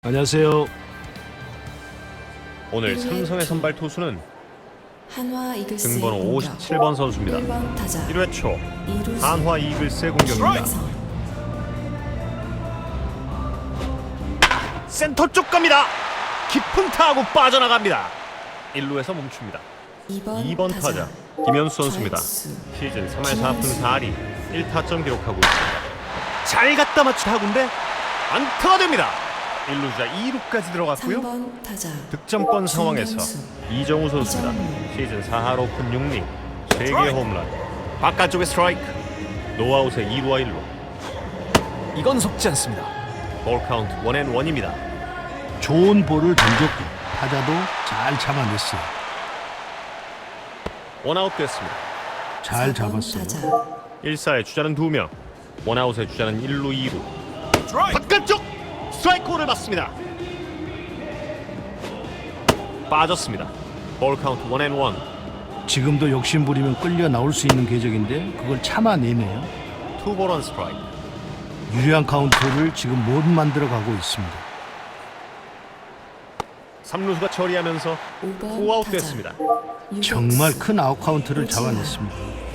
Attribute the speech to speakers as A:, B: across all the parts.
A: 안녕하세요.
B: 오늘 삼성의 선발 투수는
C: 한화 이글스의
B: 등번호
C: 공격.
B: 57번 선수입니다.
C: 1번 타자
B: 1회 초
C: 이루수
B: 한화 이글스의 공격입니다.
C: 김혜성.
B: 센터 쪽 갑니다. 깊은 타구 빠져나갑니다. 1루에서 멈춥니다.
C: 2번
B: 타자 김현수 선수입니다.
C: 좌익수.
B: 시즌 3할 4푼 4리 1타점 기록하고 있습니다. 잘 갖다 맞춘 타구인데 안타가 됩니다. 1루자 2루까지 들어갔고요.
C: 3번 타자
B: 득점권 상황에서
C: 중견수.
B: 이정우 선수입니다. 시즌 4할 5푼 6리 3개의 홈런. 바깥쪽에 스트라이크. 노아웃의 2루와 1루. 이건 속지 않습니다. 볼 카운트 1&1입니다.
A: 좋은 볼을 던졌고 타자도 잘 참아냈어요.
B: 원아웃 됐습니다.
A: 잘
C: 4번
A: 잡았어요.
C: 타자
B: 1사의 주자는 2명. 원아웃의 주자는 1루 2루. 바깥쪽 스트라이크를 맞습니다. 빠졌습니다. 볼 카운트 1&1.
A: 지금도 욕심 부리면 끌려 나올 수 있는 궤적인데 그걸 참아내네요.
B: 투볼 원 스트라이크.
A: 유리한 카운트를 지금 못 만들어가고 있습니다.
B: 3루수가 처리하면서
C: 5번
B: 5아웃
C: 타자
B: 됐습니다.
C: 유격수.
A: 정말 큰 아웃 카운트를 잡아냈습니다.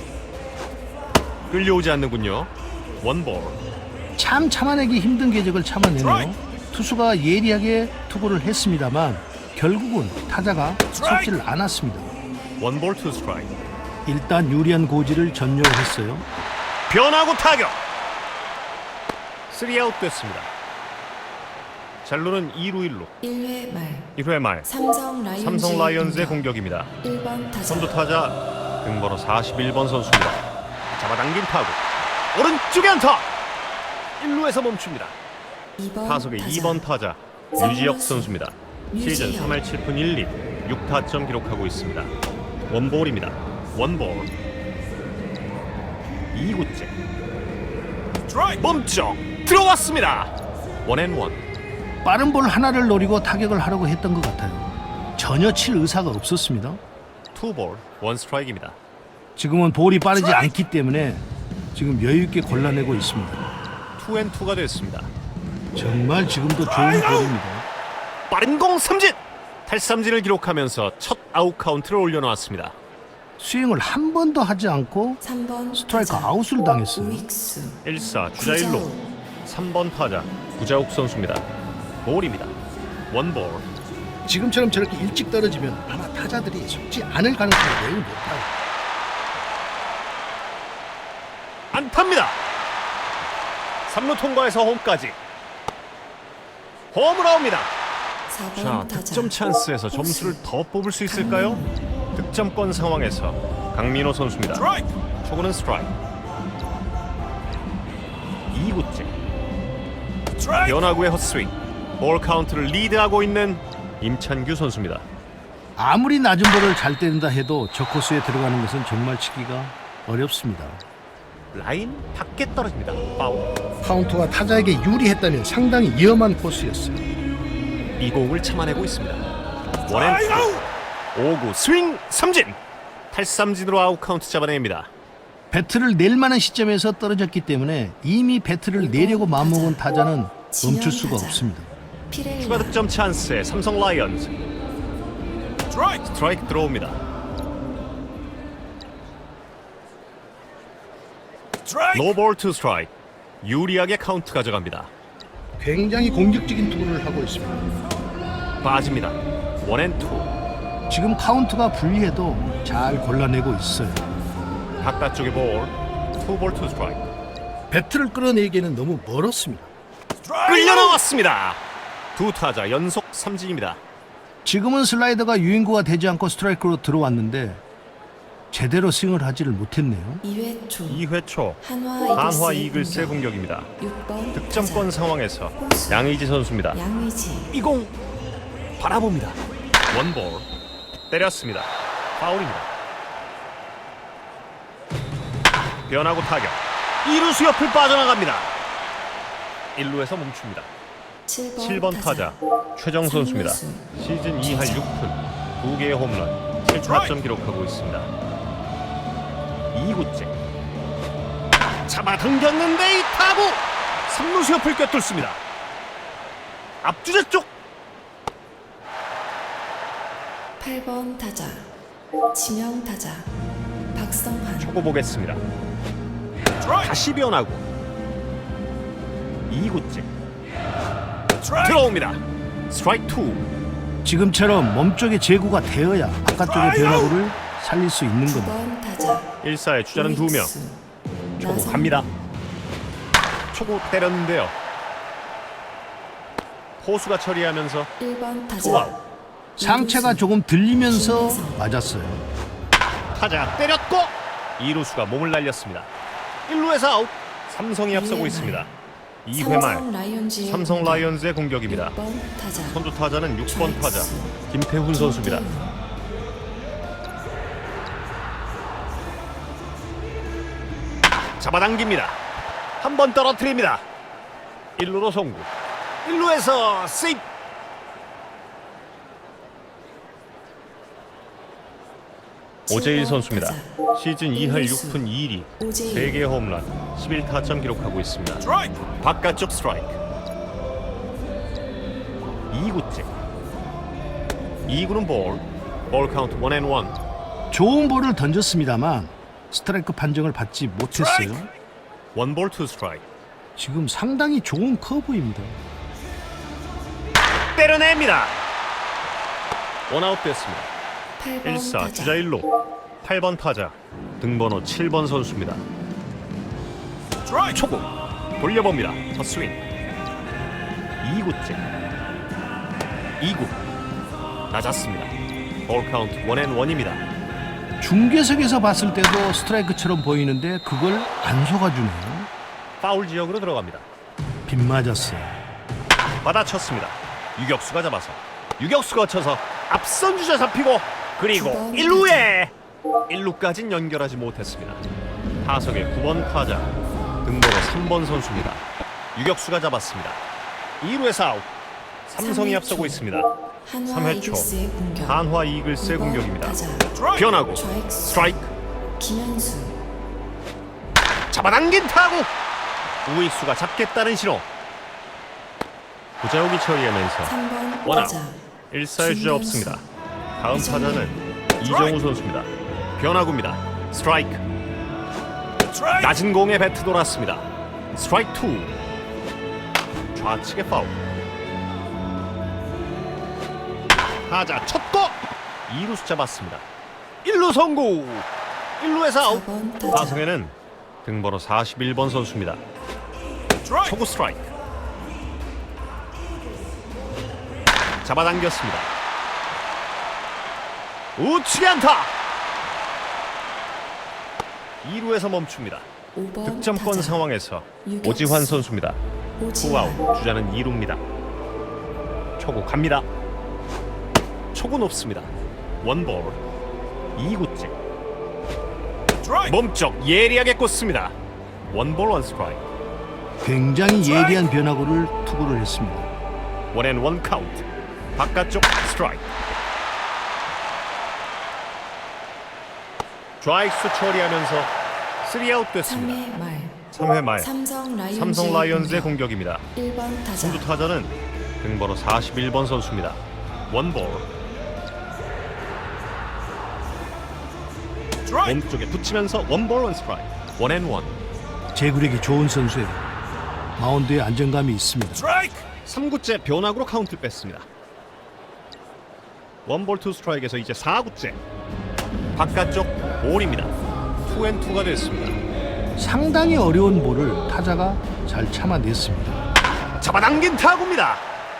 B: 끌려오지 않는군요. 원볼.
A: 참 참아내기 힘든 궤적을 참아내네요. 투수가 예리하게 투구를 했습니다만 결국은 타자가 속지를 않았습니다.
B: 원볼 투 스트라이크.
A: 일단 유리한 고지를 전념을 했어요.
B: 변화구 타격. 3아웃 됐습니다. 잘루는 2루 1루.
C: 1회 말
B: 1회 말 삼성 라이온즈의 공격입니다.
C: 1번 타자
B: 선두 타자 등번호 41번 선수입니다. 잡아당긴 타구. 오른쪽에 안타. 1루에서 멈춥니다.
C: 2번
B: 타석의 2번 타자 유지혁 선수입니다. 시즌 3할 7푼 1리 6타점 기록하고 있습니다. 원볼입니다. 원볼. 2구째 멈춰 들어왔습니다. 1&1.
A: 빠른 볼 하나를 노리고 타격을 하려고 했던 것 같아요. 전혀 칠 의사가 없었습니다.
B: 투볼 원 스트라이크입니다.
A: 지금은 볼이 빠르지 않기 때문에 지금 여유 있게 골라내고 있습니다.
B: 2&2가 됐습니다.
A: 정말 지금도 좋은 볼입니다.
B: 빠른 공 삼진. 탈삼진을 기록하면서 첫 아웃 카운트를 올려놓았습니다.
A: 스윙을 한 번도 하지 않고
C: 3번
A: 스트라이크
C: 타자
A: 아웃을 당했어요.
C: 우익수
B: 1사 주자 1루. 3번 타자 구자욱 선수입니다. 볼입니다. 원볼.
A: 지금처럼 저렇게 일찍 떨어지면 아마 타자들이 속지 않을 가능성이 매우 높아요.
B: 안타입니다. 3루 통과해서 홈까지. 홈으로 나옵니다.
C: 4번
B: 자,
C: 타자
B: 득점 찬스에서 점수를 더 뽑을 수 있을까요? 득점권 상황에서 강민호 선수입니다. 초구는 스트라이크. 2구째 변화구의 헛스윙. 볼 카운트를 리드하고 있는 임찬규 선수입니다.
A: 아무리 낮은 볼을 잘 때린다 해도 저 코스에 들어가는 것은 정말 치기가 어렵습니다.
B: 라인 밖에 떨어집니다. 파울.
A: 카운터가 타자에게 유리했다면 상당히 위험한 코스였어요.
B: 이 공을 참아내고 있습니다. 원앤투. 5구 스윙 삼진. 탈삼진으로 아웃 카운트 잡아냅니다.
A: 배트를 낼 만한 시점에서 떨어졌기 때문에 이미 배트를 내려고 마음먹은 타자는 멈출 수가 없습니다.
C: 피렐라
B: 추가 득점 찬스에 삼성 라이온즈. 스트라이크 들어옵니다. 노볼 투 스트라이크. 유리하게 카운트 가져갑니다.
A: 굉장히 공격적인 투구를 하고 있습니다.
B: 빠집니다. 원앤투.
A: 지금 카운트가 불리해도 잘 골라내고 있어요.
B: 바깥쪽에 볼. 투볼 투 스트라이크.
A: 배트를 끌어내기에는 너무 멀었습니다.
B: 끌려 나왔습니다. 두 타자 연속 삼진입니다.
A: 지금은 슬라이더가 유인구가 되지 않고 스트라이크로 들어왔는데 제대로 스윙을 하지를 못했네요.
C: 2회 초
B: 2회 초
C: 한화
B: 이글스의 공격입니다.
C: 6번
B: 득점권 상황에서 양의지 선수입니다.
C: 양의지
B: 이 공 바라봅니다. 원볼. 때렸습니다. 파울입니다. 변화구 타격. 2루수 옆을 빠져나갑니다. 1루에서 멈춥니다. 7번 타자 최정 선수입니다. 시즌 2할 6푼 2개의 홈런 7타점 기록하고 있습니다. 2구째 잡아당겼는데 이 타구 3루수 옆을 꿰뚫습니다. 앞주자 쪽
C: 8번 타자 지명 타자 박성환.
B: 초고 보겠습니다. 다시 변하고 2구째 들어옵니다. 스트라이크 2.
A: 지금처럼 몸쪽에 제구가 되어야 바깥쪽의 변화구를 살릴 수 있는 겁니다.
C: 9번 타자
B: 1사의 주자는 2명. 초고 갑니다. 초고 때렸는데요. 포수가 처리하면서
C: 1번 타자
B: 투아웃.
A: 상체가 조금 들리면서 맞았어요.
B: 타자 때렸고 2루수가 몸을 날렸습니다. 1루에서 아웃. 삼성이 앞서고 있습니다. 2회 말 삼성 라이온즈의 공격입니다.
C: 6번 타자
B: 선두 타자는 6번 타자 김태훈 선수입니다. 잡아당깁니다. 한 번 떨어뜨립니다. 1루로 송구. 1루에서 세이프. 오재일 선수입니다. 시즌 2할 6푼 2리 3개 홈런 11타점 기록하고 있습니다. 바깥쪽 스트라이크. 2구째 2구는 볼 카운트 1&1.
A: 좋은 볼을 던졌습니다만 스트라이크 판정을 받지 못했어요.
B: 1볼 2 스트라이크.
A: 지금 상당히 좋은 커브입니다.
B: 때려냅니다. 원아웃 됐습니다.
C: 8번
B: 1사
C: 타자
B: 주자 1루 8번 타자 등번호 7번 선수입니다. 초구 돌려봅니다. 헛스윙 2구째 2구 낮았습니다. 볼 카운트 1&1입니다.
A: 중계석에서 봤을 때도 스트라이크처럼 보이는데 그걸 안 속아주네요.
B: 파울 지역으로 들어갑니다.
A: 빗 맞았어요.
B: 받아쳤습니다. 유격수가 잡아서 유격수가 쳐서 앞선 주자 잡히고 그리고 1루에 1루까진 연결하지 못했습니다. 타석의 9번 타자 등번호 3번 선수입니다. 유격수가 잡았습니다. 2루에서 아웃. 삼성이 앞서고 있습니다.
C: 한화
B: 3회 초
C: 이글스의 공격.
B: 한화 이글스의
C: 5번
B: 공격입니다.
C: 타자
B: 변하고
C: 좌익수.
B: 스트라이크.
C: 김현수
B: 잡아당긴 타구. 우익수가 잡겠다는 신호. 구자욱이 처리하면서
C: 3번
B: 원아웃.
C: 타자
B: 1사의 주자
C: 김현수.
B: 없습니다. 다음 타자는 이정우 선수입니다. 변화구입니다. 스트라이크. 낮은 공에 배트 돌았습니다. 스트라이크 2. 좌측의 파울. 타자 쳤고 2루수 잡았습니다. 1루 성공. 1루에서 아웃.
C: 4번 타자
B: 타석에는 등번호 41번 선수입니다. 초구 스트라이크. 잡아당겼습니다. 우측에 안타. 2루에서 멈춥니다.
C: 5번
B: 득점권
C: 타자
B: 상황에서
C: 유격수.
B: 오지환 선수입니다.
C: 오지환
B: 투아웃. 주자는 2루입니다. 초구 갑니다. 초구 높습니다. 원볼. 2구째. 몸쪽 예리하게 꽂습니다. 원볼 원 스트라이크.
A: 굉장히 예리한 변화구를 투구를 했습니다.
B: 1&1 카운트. 바깥쪽 스트라이크. 좌익수 처리하면서 3아웃 됐습니다.
C: 3회 말
B: 3회 말
C: 삼성
B: 라이온즈의 공격입니다.
C: 1번 타자
B: 선두 타자는 등번호 41번 선수입니다. 원볼. 몸쪽에 붙이면서 원볼 원 스트라이크. 1&1.
A: 제구력이 좋은 선수예요. 마운드에 안정감이 있습니다.
B: 3구째 변화구로 카운트를 뺐습니다. 원볼 투 스트라이크에서 이제 4구째. 바깥쪽 볼입니다. 2&2가 됐습니다.
A: 상당히 어려운 볼을 타자가 잘 참아냈습니다.
B: 잡아당긴 타구입니다.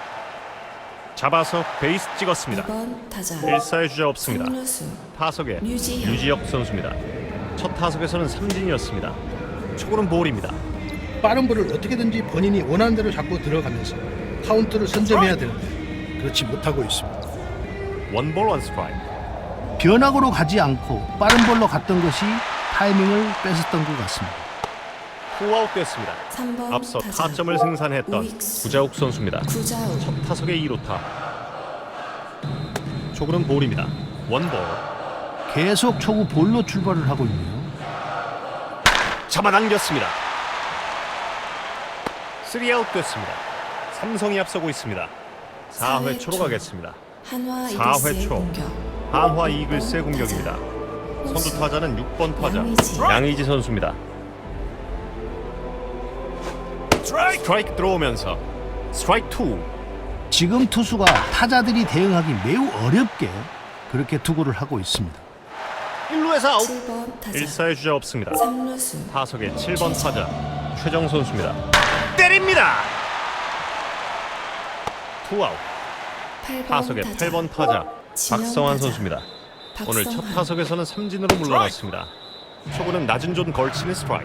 B: 잡아서 베이스 찍었습니다.
C: 2번 타자
B: 1사의 주자 없습니다.
C: 3루수
B: 타석에
C: 류지혁.
B: 류지혁 선수입니다. 첫 타석에서는 삼진이었습니다. 초구는 볼입니다.
A: 빠른 볼을 어떻게든지 본인이 원하는 대로 잡고 들어가면서 카운트를 선점해야 되는데 그렇지 못하고 있습니다.
B: 원볼 원 스트라이크.
A: 변화구로 가지 않고 빠른 볼로 갔던 것이 타이밍을 뺏었던 것 같습니다.
B: 투아웃 됐습니다.
C: 3번
B: 앞서
C: 타자
B: 타점을 생산했던
C: 우익수.
B: 구자욱 선수입니다.
C: 구자욱
B: 첫 타석의 2루타. 초구는 볼입니다. 원볼.
A: 계속 초구 볼로 출발을 하고 있네요.
B: 잡아당겼습니다. 3아웃 됐습니다. 삼성이 앞서고 있습니다. 4회 초로 가겠습니다.
C: 한화
B: 4회
C: 이글스의
B: 초.
C: 공격.
B: 한화 이글스의 공격입니다. 선두 타자는 6번 타자 양의지 선수입니다. 스트라이크 들어오면서 스트라이크 2.
A: 지금 투수가 타자들이 대응하기 매우 어렵게 그렇게 투구를 하고 있습니다.
B: 1루에서 아웃.
C: 7번 타자
B: 1사의 주자 없습니다.
C: 3루수
B: 타석의 7번 타자 최정 선수입니다. 때립니다. 투아웃.
C: 8번
B: 타석의
C: 타자
B: 8번 타자
C: 지명
B: 박성환
C: 타자.
B: 선수입니다. 오늘 첫
C: 박성환.
B: 타석에서는 삼진으로 물러났습니다. 초구는 낮은 존 걸치는 스트라이크.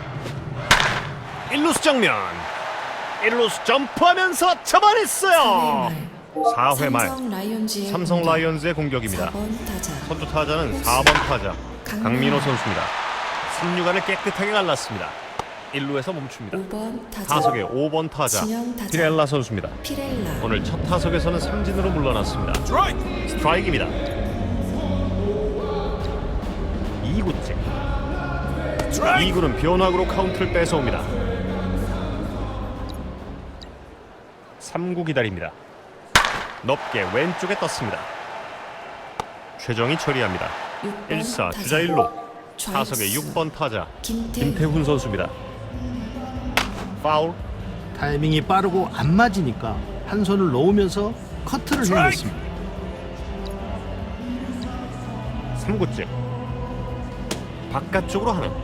B: 1루수 정면. 1루수 점프하면서 잡아냈어요. 4회 말
C: 삼성 라이온즈의
B: 삼성
C: 공격.
B: 라이온즈의 공격입니다.
C: 4번 타자
B: 선두 타자는 4번 타자 강민호 선수입니다. 3루간을 깨끗하게 갈랐습니다. 1루에서 멈춥니다.
C: 5번 타자
B: 타석의 5번 타자
C: 진영 타자.
B: 피렐라 선수입니다.
C: 피렐라
B: 오늘 첫 타석에서는 삼진으로 물러났습니다. 스트라이크입니다. 2구째 2구는 변화구로 카운트를 뺏어옵니다. 3구 기다립니다. 높게 왼쪽에 떴습니다. 최정이 처리합니다.
C: 6번
B: 1사
C: 타자.
B: 주자 1루
C: 좌익수.
B: 타석의 6번 타자
C: 김태훈
B: 김태훈 선수입니다. 파울.
A: 타이밍이 빠르고 안 맞으니까 한 손을 놓으면서 커트를 해냈습니다.
B: 3구째 바깥쪽으로 하나.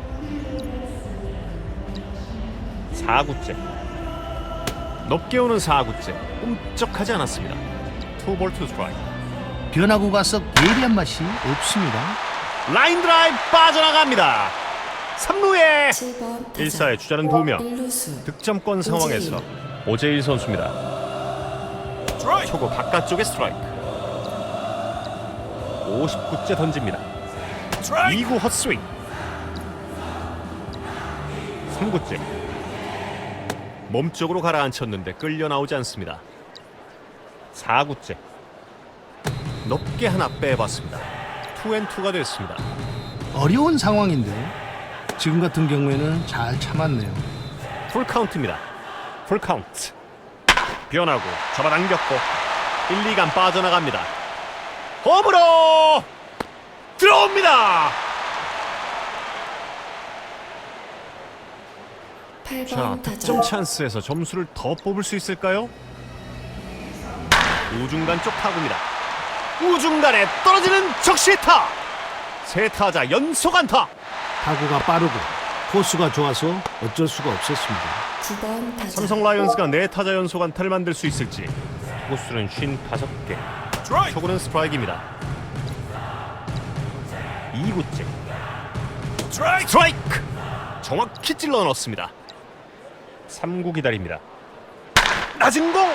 B: 4구째 높게 오는 4구째 꼼짝하지 않았습니다. 투볼 투 스트라이크.
A: 변화구가 썩 예리한 맛이 없습니다.
B: 라인 드라이브 빠져나갑니다. 3루에
C: 7번 타자
B: 1사의 주자는 2명.
C: 1루수
B: 득점권 상황에서 오재일 선수입니다. 초구 바깥쪽에 스트라이크. 59째 던집니다. 2구 헛스윙. 3구째 몸쪽으로 가라앉혔는데 끌려 나오지 않습니다. 4구째 높게 하나 빼봤습니다. 투앤투가 됐습니다.
A: 어려운 상황인데 지금 같은 경우에는 잘 참았네요.
B: 풀카운트입니다. 풀카운트. 변하고 잡아당겼고 1, 2간 빠져나갑니다. 홈으로 들어옵니다.
C: 8번
B: 자,
C: 타자
B: 득점 찬스에서 점수를 더 뽑을 수 있을까요? 우중간 쪽 타구입니다. 우중간에 떨어지는 적시타. 세 타자 연속 안타.
A: 타구가 빠르고 코스가 좋아서 어쩔 수가 없었습니다.
C: 9번 타자
B: 삼성 라이온즈가 네 타자 연속 안타를 만들 수 있을지. 투구수는 55개. 초구는 스트라이크입니다. 2구째 스트라이크. 정확히 찔러 넣었습니다. 3구 기다립니다. 낮은 공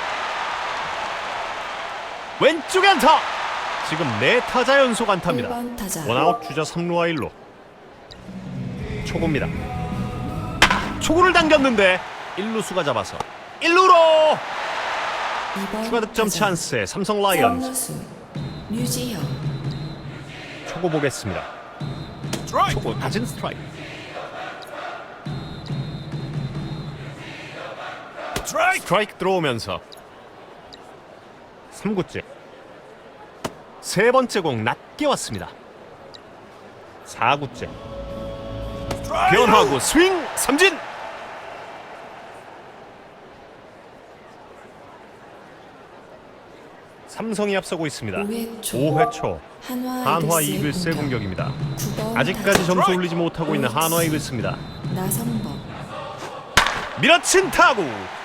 B: 왼쪽에 안타. 지금 네 타자 연속 안타입니다.
C: 1번 타자
B: 원아웃 주자 3루와 1루. 초구입니다. 초구를 당겼는데 1루수가 잡아서 1루로
C: 2번
B: 추가 득점
C: 타자.
B: 찬스에 삼성 라이온즈.
C: 3루수 류지형
B: 초구 보겠습니다. 초구 낮은 스트라이크. 스트라이크 들어오면서 3구째 세 번째 공 낮게 왔습니다. 4구째 변화구 스윙 삼진. 삼성이 앞서고 있습니다.
C: 5회 초
B: 5회 초
C: 한화,
B: 한화 이글스의 공격입니다.
C: 9번
B: 아직까지
C: 타자
B: 점수 올리지 못하고 있는 한화 이글스입니다.
C: 나성범
B: 밀어친 타구.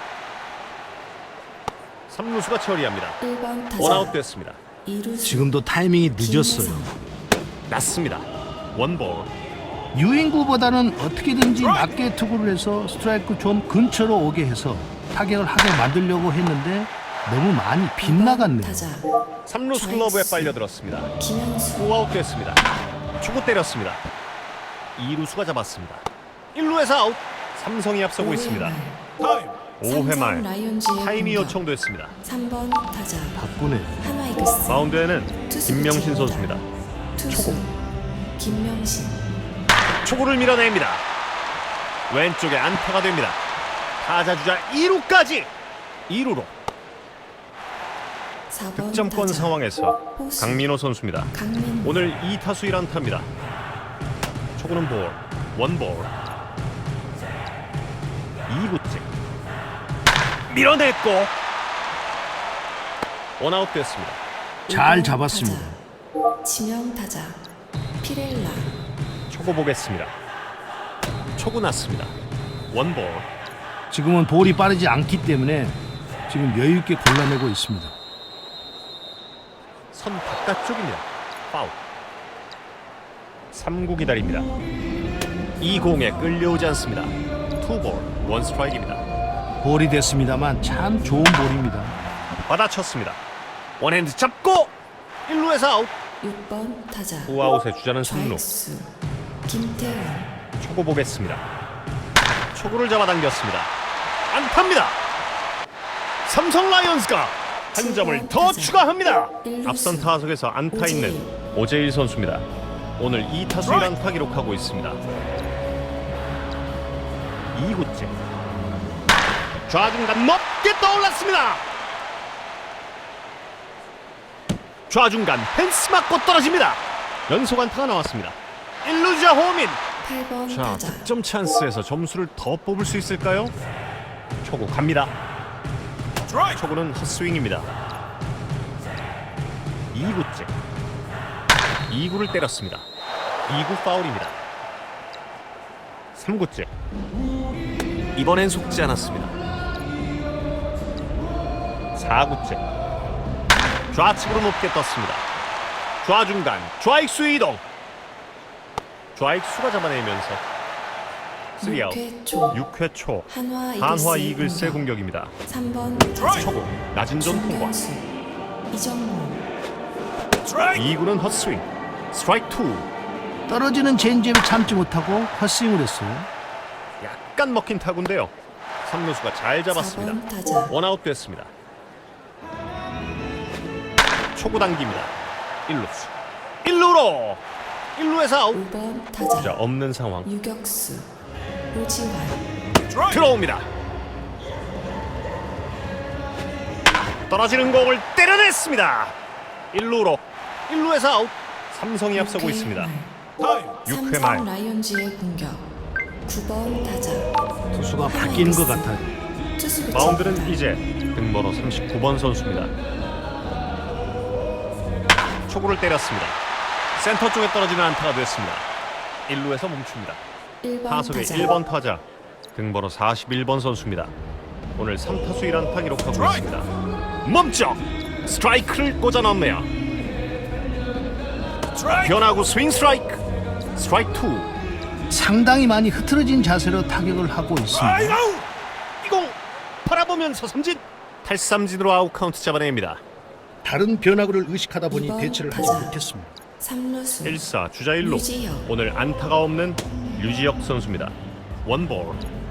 B: 3루수가 처리합니다.
C: 1번 타자
B: 원아웃 됐습니다.
C: 2루수
A: 지금도 타이밍이 늦었어요.
B: 낮습니다. 원볼.
A: 유인구보다는 어떻게든지 낮게 투구를 해서 스트라이크 좀 근처로 오게 해서 타격을 하게 만들려고 했는데 너무 많이 빗나갔네요.
C: 타자
B: 3루수 글러브에 빨려들었습니다.
C: 김현수
B: 5아웃 됐습니다. 초구 때렸습니다. 2루수가 잡았습니다. 1루에서 아웃. 삼성이 앞서고 있습니다. 5회 말 타임이 요청됐습니다.
C: 3번 타자
A: 바꾸네요.
C: 한화 이글스
B: 마운드에는
C: 투수
B: 김명신
C: 교체입니다.
B: 선수입니다.
C: 투수 김명신
B: 초구를 밀어냅니다. 왼쪽에 안타가 됩니다. 타자 주자 2루까지 2루로
C: 4번
B: 득점권
C: 타자
B: 상황에서
C: 포수.
B: 강민호 선수입니다.
C: 강민호
B: 오늘 2타수 1안타입니다. 초구는 볼, 원볼. 2구째 밀어냈고 원아웃 됐습니다.
A: 잘
C: 5번
A: 잡았습니다.
C: 타자. 지명 타자 피렐라
B: 초구 보겠습니다. 초구 났습니다. 원볼.
A: 지금은 볼이 빠르지 않기 때문에 지금 여유 있게 골라내고 있습니다.
B: 선 바깥쪽입니다. 파울. 3구 기다립니다. 이 공에 끌려오지 않습니다. 투볼, 원 스트라이크입니다.
A: 볼이 됐습니다만 참 좋은 볼입니다.
B: 받아쳤습니다. 원핸드 잡고 1루에서 아웃.
C: 6번 타자
B: 후아웃의 주자는 3루.
C: 좌익수 김태훈
B: 초구 보겠습니다. 초구를 잡아당겼습니다. 안타입니다. 삼성 라이온즈가 한 점을 더 추가합니다. 앞선 타석에서 안타 있는 오재일 선수입니다. 오늘 2타수 1안타 기록하고 있습니다. 2구째 좌중간 높게 떠올랐습니다. 좌중간 펜스 맞고 떨어집니다. 연속 안타가 나왔습니다. 1루자 호민.
C: 8번
B: 자,
C: 타자
B: 득점 찬스에서 점수를 더 뽑을 수 있을까요? 초구 갑니다. 초구는 헛스윙입니다. 2구째 2구를 때렸습니다. 2구 파울입니다. 3구째 이번엔 속지 않았습니다. 4구째 좌측으로 높게 떴습니다. 좌중간 좌익수 이동. 좌익수가 잡아내면서 3아웃.
C: 6회 초
B: 6회 초
C: 한화
B: 이글스의 공격입니다.
C: 3번 타자
B: 초구 낮은 점 통과.
C: 중견수 이정무
B: 2구는 헛스윙. 스트라이크 2.
A: 떨어지는 체인지업을 참지 못하고 헛스윙을 했어요.
B: 약간 먹힌 타구인데요. 3루수가 잘 잡았습니다.
C: 4번 타자
B: 원아웃 됐습니다. 초구 당깁니다. 1루수 1루로 1루에서 아웃.
C: 5번
B: 자,
C: 타자
B: 없는 상황.
C: 유격수 오지환
B: 들어옵니다. 떨어지는 공을 때려냈습니다. 1루로 1루에서 아웃. 삼성이 앞서고 있습니다. 6회 말
C: 삼성 라이온즈의 공격 9번 타자
A: 투수가 바뀌는 것 같아요.
C: 투수
B: 마운드는
C: 교체입니다.
B: 이제 등번호 39번 선수입니다. 초구를 때렸습니다. 센터 쪽에 떨어지는 안타가 됐습니다. 1루에서 멈춥니다.
C: 1번
B: 타석의
C: 타자
B: 1번 타자 등번호 41번 선수입니다. 오늘 3타수 1안타 기록하고 있습니다. 멈춰! 스트라이크를 꽂아 넣네요. 변화구 스윙 스트라이크. 스트라이크 2.
A: 상당히 많이 흐트러진 자세로 타격을 하고 있습니다.
B: 이 공 바라보면서 삼진. 탈삼진으로 아웃 카운트 잡아냅니다.
A: 다른 변화구를 의식하다 보니
C: 이번
A: 대처를 하지
C: 타자.
A: 못했습니다.
C: 3루수
B: 1사 주자 1루.
C: 류지혁.
B: 오늘 안타가 없는 류지혁 선수입니다. 원볼.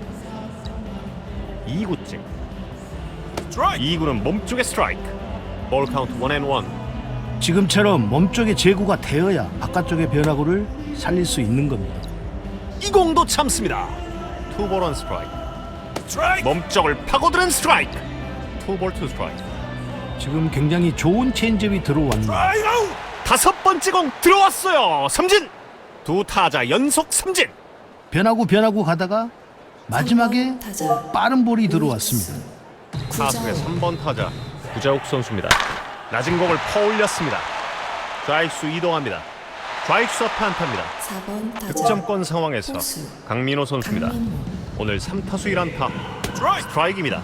B: 2구째 2구는 몸쪽에 스트라이크. 볼 카운트 1&1.
A: 지금처럼 몸쪽에 제구가 되어야 바깥쪽의 변화구를 살릴 수 있는 겁니다.
B: 이 공도 참습니다. 투볼 원 스트라이크. 몸쪽을 파고드는 스트라이크. 투볼 투 스트라이크.
A: 지금 굉장히 좋은 체인지업이 들어왔네요.
B: 다섯 번째 공 들어왔어요. 삼진. 두 타자 연속 삼진.
A: 변화구 가다가 마지막에
C: 3번 타자
A: 빠른 볼이 들어왔습니다.
B: 타석의
C: 구자욱
B: 3번 타자 구자욱 선수입니다. 낮은 공을 퍼올렸습니다. 좌익수 이동합니다. 좌익수 앞에 안타입니다.
C: 4번 타자
B: 득점권 상황에서
C: 포수
B: 강민호 선수입니다.
C: 강민호
B: 오늘 3타수 1안타. 스트라이크입니다.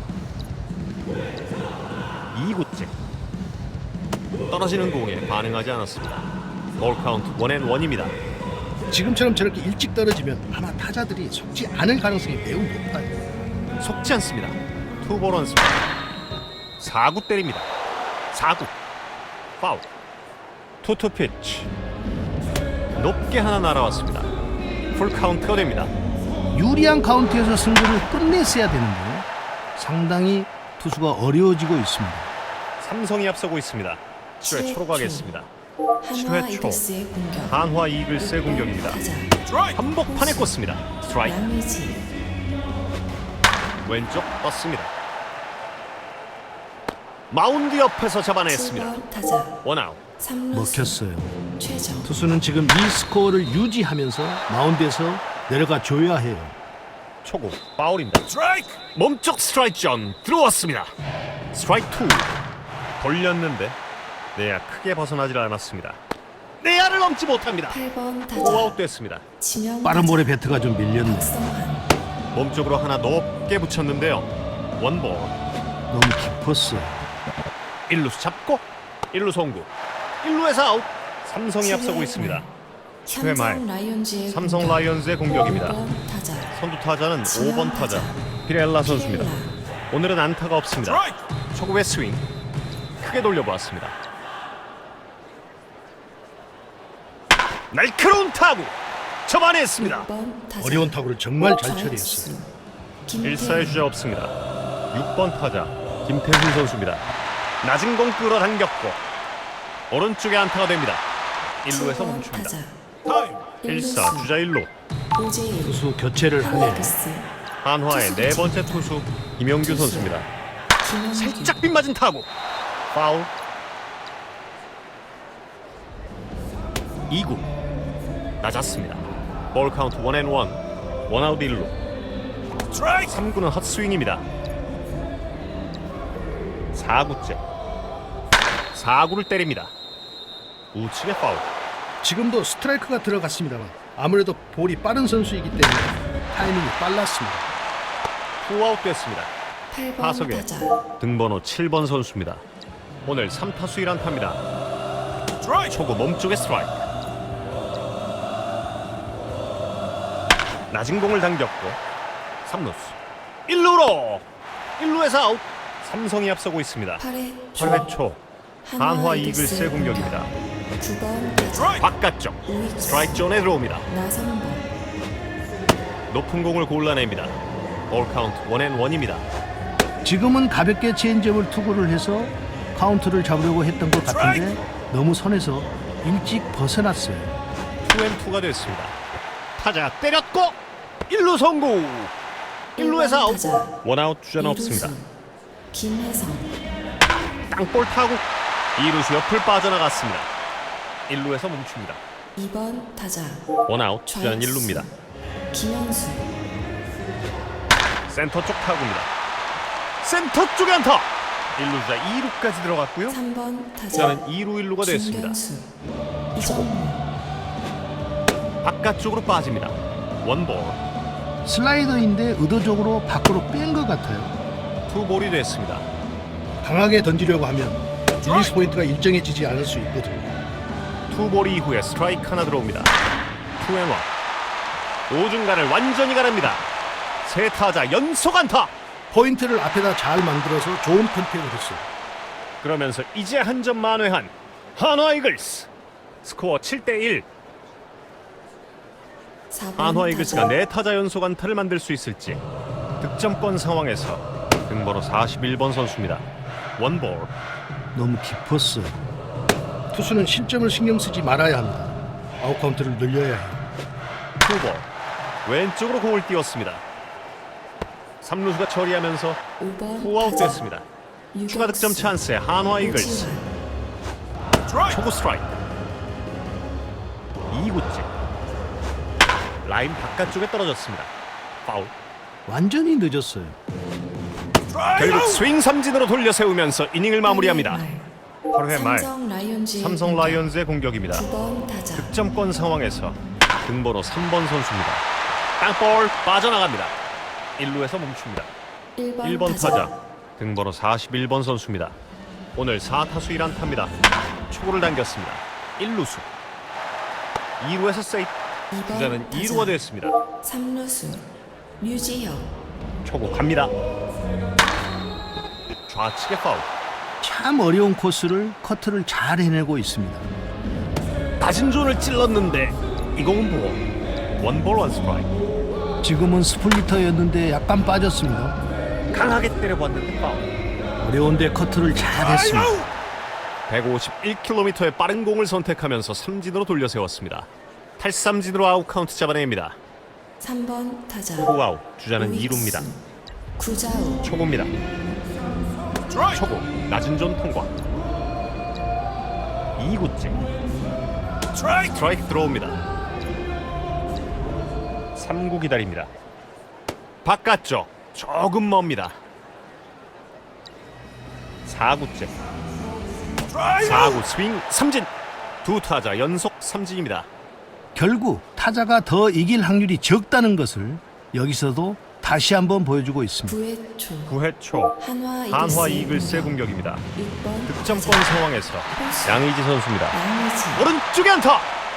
B: 2구째 떨어지는 공에 반응하지 않았습니다. 볼 카운트 1&1입니다.
A: 지금처럼 저렇게 일찍 떨어지면 아마 타자들이 속지 않을 가능성이 매우 높아요.
B: 속지 않습니다. 투볼 원 스트라이크. 4구 때립니다. 4구 파울. 투투 피치 높게 하나 날아왔습니다. 풀 카운트가 됩니다.
A: 유리한 카운트에서 승부를 끝냈어야 되는데 상당히 투수가 어려워지고 있습니다.
B: 삼성이 앞서고 있습니다. 7회 초로 가겠습니다.
C: 한화
B: 7회 초
C: 이글스의 공격
B: 한화 이글스의 공격입니다.
C: 타자
B: 한복판에 꽂습니다. 스트라이크.
C: 양의지
B: 왼쪽 떴습니다. 마운드 옆에서 잡아냈습니다.
C: 7번 타자
B: 원아웃.
C: 3루수
A: 먹혔어요.
C: 최정
A: 투수는 지금 이 스코어를 유지하면서 마운드에서 내려가 줘야 해요.
B: 초구 파울입니다. 몸쪽 스트라이크 존 들어왔습니다. 스트라이크 2. 돌렸는데 내야 크게 벗어나질 않았습니다. 내야를 넘지 못합니다.
C: 8번
B: 오아웃
C: 타자
B: 됐습니다.
C: 지명
A: 빠른
C: 타자
A: 볼에 배트가 좀 밀렸네.
C: 박성환
B: 몸쪽으로 하나 높게 붙였는데요. 원볼.
A: 너무 깊었어요.
B: 1루수 잡고 1루 송구. 1루에서 아웃. 삼성이 앞서고 있습니다. 회 말.
C: 삼성 라이온즈의
B: 삼성
C: 공격.
B: 라이온즈의 공격입니다.
C: 5번 타자
B: 선두 타자는
C: 지명
B: 5번 타자 피렐라 선수입니다. 오늘은 안타가 없습니다. 초구의 스윙 크게 돌려보았습니다. 날카로운 타구 접안했습니다.
C: 6번 타자
A: 어려운 타구를 정말 잘
C: 좌익수.
A: 처리했어요.
C: 김태현.
B: 1사의 주자 없습니다. 6번 타자 김태훈 선수입니다. 낮은 공 끌어당겼고 오른쪽에 안타가 됩니다. 1루에서
C: 7번
B: 멈춥니다.
C: 타자
B: 1사 주자 1루.
C: 오재일
A: 투수 교체를 하네요.
C: 하나이글스
B: 한화의 네 번째 투수 김영규 선수입니다.
C: 김영규
B: 살짝 빗맞은 타구 파울. 2구 낮았습니다. 볼 카운트 1&1 원아웃 1루. 3구는 헛스윙입니다. 4구째 4구를 때립니다. 우측의 파울.
A: 지금도 스트라이크가 들어갔습니다만 아무래도 볼이 빠른 선수이기 때문에 타이밍이 빨랐습니다.
B: 투아웃 됐습니다.
C: 8번
B: 타석에
C: 타자
B: 등번호 7번 선수입니다. 오늘 3타수 1안타입니다. 초구 몸쪽에 스트라이크. 낮은 공을 당겼고 3루수 1루로 1루에서 아웃. 삼성이 앞서고 있습니다.
C: 8회
B: 8회 초 한화 이글스의 공격입니다.
C: 9번 타자
B: 바깥쪽
C: 우익수
B: 스트라이크 존에 들어옵니다.
C: 나성범
B: 높은 공을 골라냅니다. 볼 카운트 1&1입니다.
A: 지금은 가볍게 체인지업을 투구를 해서 카운트를 잡으려고 했던 것 같은데 너무 선에서 일찍 벗어났어요.
B: 2&2가 됐습니다. 타자 때렸고 1루 성공. 1루에서 아웃.
C: 타자
B: 원아웃 주자는 없습니다.
C: 김혜성
B: 땅볼 타구 2루수 옆을 빠져나갔습니다. 1루에서 멈춥니다.
C: 2번 타자
B: 원아웃 주자는
C: 좌익수.
B: 1루입니다.
C: 김현수
B: 센터 쪽 타구입니다. 센터 쪽에 안타. 1루주자 2루까지 들어갔고요.
C: 3번 타자
B: 주자는 2루 1루가 됐습니다.
C: 김경수 이정무
B: 바깥쪽으로 빠집니다. 원볼.
A: 슬라이더인데 의도적으로 밖으로 뺀 것 같아요.
B: 투볼이 됐습니다.
A: 강하게 던지려고 하면 릴리스 포인트가 일정해지지 않을 수 있거든요.
B: 투볼 이후에 스트라이크 하나 들어옵니다. 2&1. 오중간을 완전히 가릅니다. 세 타자 연속 안타.
A: 포인트를 앞에다 잘 만들어서 좋은 컨택을 했어요.
B: 그러면서 이제 한 점 만회한 한화 이글스. 스코어 7대1.
C: 4번
B: 한화 이글스가
C: 타자
B: 네 타자 연속 안타를 만들 수 있을지. 득점권 상황에서 등번호 41번 선수입니다. 원볼.
A: 너무 깊었어요. 투수는 실점을 신경 쓰지 말아야 합니다. 아웃 카운트를 늘려야 해요.
B: 투볼. 왼쪽으로 공을 띄웠습니다. 3루수가 처리하면서
C: 5번
B: 투아웃
C: 타자
B: 됐습니다.
C: 유격수
B: 추가 득점 찬스에 한화 이글스.
C: 오지환
B: 초구 스트라이크. 2구째. 라인 바깥쪽에 떨어졌습니다. 파울.
A: 완전히 늦었어요.
B: 결국 스윙 삼진으로 돌려 세우면서 이닝을 마무리합니다. 8회 말 삼성 라이온즈의 공격입니다.
C: 9번 타자
B: 득점권 상황에서 등번호 3번 선수입니다. 땅볼 빠져나갑니다. 1루에서 멈춥니다. 1번 타자 등번호 41번 선수입니다. 오늘 4타수 1안타입니다. 초구를 당겼습니다. 1루수 2루에서 세이프. 주자는 2루가 됐습니다.
C: 3루수 류지혁
B: 초구 갑니다. 좌측의 파울.
A: 참 어려운 코스를 커트를 잘 해내고 있습니다.
B: 낮은 존을 찔렀는데 이 공은 보고 원볼 원스트라이크.
A: 지금은 스플리터였는데 약간 빠졌습니다.
B: 강하게 때려봤는데 파울.
A: 어려운데 커트를 잘 했습니다.
B: 151km의 빠른 공을 선택하면서 삼진으로 돌려 세웠습니다. 탈삼진으로 아웃 카운트 잡아냅니다.
C: 3번 타자
B: 투아웃. 주자는
C: 우익수.
B: 2루입니다.
C: 구자우
B: 초구입니다. 초구 낮은 존 통과. 2구째 스트라이크 들어옵니다. 3구 기다립니다. 바깥쪽 조금 멉니다. 4구째 4구 스윙 삼진. 두 타자 연속 삼진입니다.
A: 결국 타자가 더 이길 확률이 적다는 것을 여기서도 다시 한번 보여주고 있습니다.
C: 9회 초
B: 9회 초 한화 이글스의 공격입니다.
C: 6번
B: 득점권 상황에서 양의지 선수입니다.
C: 양의지
B: 오른쪽에 안타.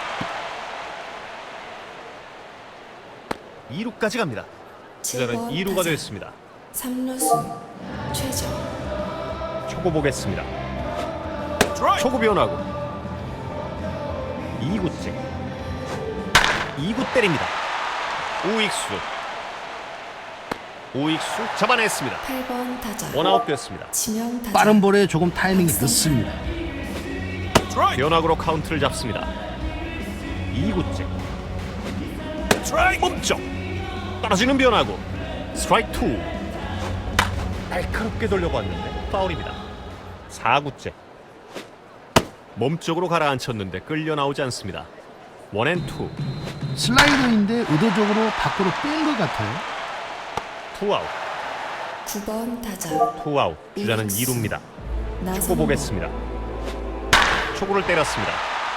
B: 2루까지 갑니다. 주자는
C: 7번
B: 2루가
C: 타자
B: 됐습니다.
C: 3루수 최정
B: 초구 보겠습니다. 초구 변화구. 2구째 2구 때립니다. 우익수 잡아냈습니다.
C: 8번 타자
B: 원아웃 됐습니다.
C: 지명 타자
A: 빠른 볼에 조금 타이밍이 늦습니다.
B: 변화구로 카운트를 잡습니다. 2구째 멈쩍 떨어지는 변화구. 스트라이크 2. 날카롭게 돌려봤는데 파울입니다. 4구째 몸쪽으로 가라앉혔는데 끌려 나오지 않습니다. 1&2.
A: 슬라이더인데 의도적으로 밖으로 뺀 것 같아요.
B: 투아웃.
C: 9번 타자
B: 투아웃. 주자는
C: 우익수.
B: 2루입니다. 초구
C: 나성호
B: 보겠습니다. 초구를 때렸습니다.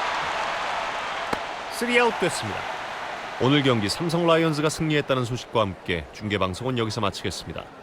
B: 3아웃 됐습니다. 오늘 경기 삼성 라이온즈가 승리했다는 소식과 함께 중계방송은 여기서 마치겠습니다.